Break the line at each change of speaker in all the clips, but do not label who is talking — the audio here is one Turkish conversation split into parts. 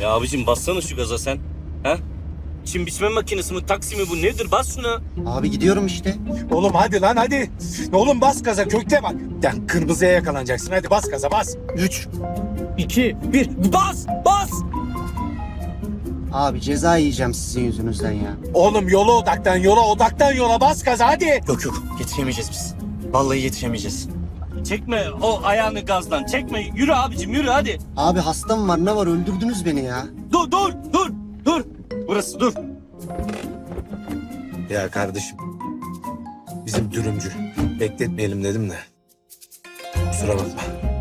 Ya abicim bassana şu gaza sen. Ha? Çim biçme makinesi mi, taksi mi bu nedir? Bas şuna.
Abi gidiyorum işte.
Oğlum hadi lan hadi. Oğlum bas gaza kökte bak. Sen kırmızıya yakalanacaksın. Hadi bas gaza bas.
3, 2, 1. Bas! Bas!
Abi ceza yiyeceğim sizin yüzünüzden ya.
Oğlum yola odaktan yola bas gaza hadi.
Yok yok yetişemeyeceğiz biz. Vallahi yetişemeyeceğiz. Çekme o ayağını gazdan. Çekme. Yürü abicim yürü hadi.
Abi hastam var ne var öldürdünüz beni ya.
Dur. Burası dur.
Ya kardeşim. Bizim dürümcü. Bekletmeyelim dedim de. Kusura bakma.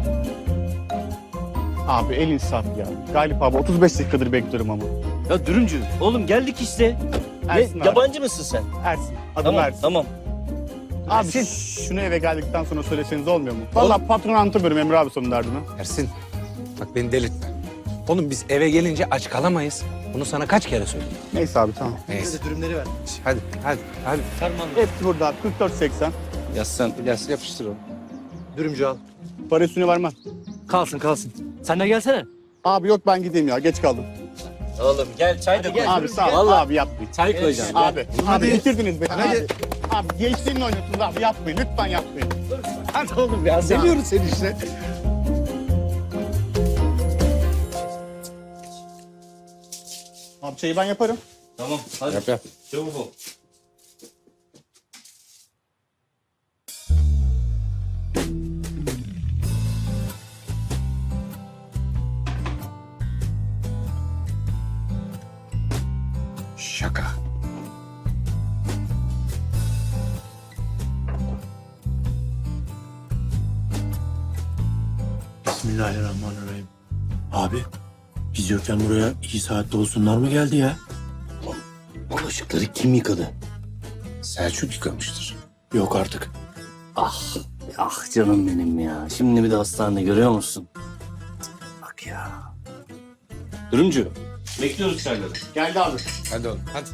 Abi el insaf ya. Galip abi 35 dakikadır bekliyorum ama.
Ya dürümcü. Oğlum geldik işte.
Ersin abi.
Yabancı mısın sen?
Ersin. Adım
Tamam
Ersin.
tamam.
Abi şunu eve geldikten sonra söyleseniz olmuyor mu? Vallahi patron anlatamıyorum Emre abi sonun derdini.
Ersin, bak beni delirtme. Oğlum biz eve gelince aç kalamayız. Bunu sana kaç kere söyledim?
Neyse abi tamam.
Neyse.
Dürümleri ver.
Hadi.
Hepsi burada abi 44.80.
Yazsan.
İlyas yapıştır onu.
Dürümcü al.
Para üstüne vermem.
Kalsın. Sen de gelsene.
Abi yok ben gideyim ya geç kaldım.
Oğlum gel çay da koy.
Abi sağ ol.
Vallahi.
Abi yapmayın.
Çay koyacağım.
Abi bitirdiniz beni. Abi gençliğimle oynuyorsunuz abi yapmayın. Lütfen yapmayın.
Hadi oğlum ya, seviyoruz seni işte.
Abi çayı ben yaparım.
Tamam hadi.
Yap.
Çabuk ol.
Şaka.
Bismillahirrahmanirrahim. Abi, biz yokken buraya iyi saatte olsunlar mı geldi ya?
Bulaşıkları kim yıkadı?
Selçuk yıkamıştır.
Yok artık.
Ah canım benim ya. Şimdi bir de hastanede görüyor musun? Bak ya. Dürümcü. Bekliyoruz çayları.
Geldi abi.
Hadi oğlum, hadi.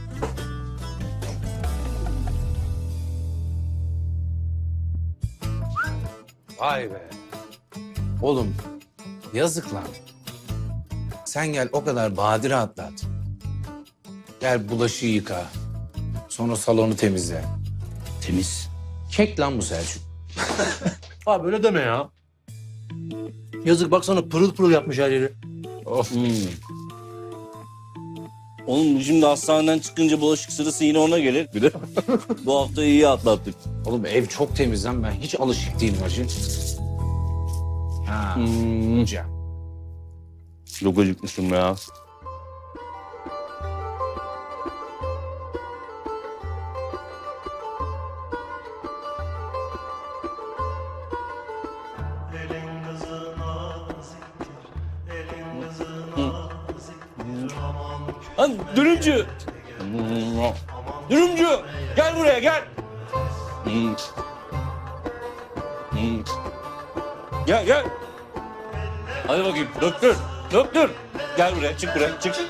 Vay be. Oğlum, yazık lan. Sen gel o kadar badire atlat. Gel bulaşığı yıka. Sonra salonu temizle.
Temiz.
Kek lan bu Selçuk.
Abi öyle deme ya. Yazık baksana pırıl pırıl yapmış her yeri.
Of.
Oğlum şimdi hastaneden çıkınca bulaşık sırası yine ona gelir. Bir de bu hafta iyi atlattık.
Oğlum ev çok temiz lan, ben hiç alışık değilim hacı. Ha. Hocam.
Çok acıkmışım ya. Lan dürümcü! Dürümcü! Gel buraya gel! Gel. Hadi bakayım doktor. Gel buraya çık buraya çık.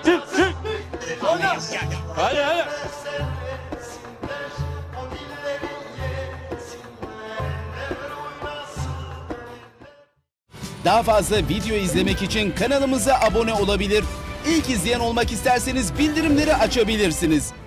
Hadi.
Daha fazla video izlemek için kanalımıza abone olabilir. İlk izleyen olmak isterseniz bildirimleri açabilirsiniz.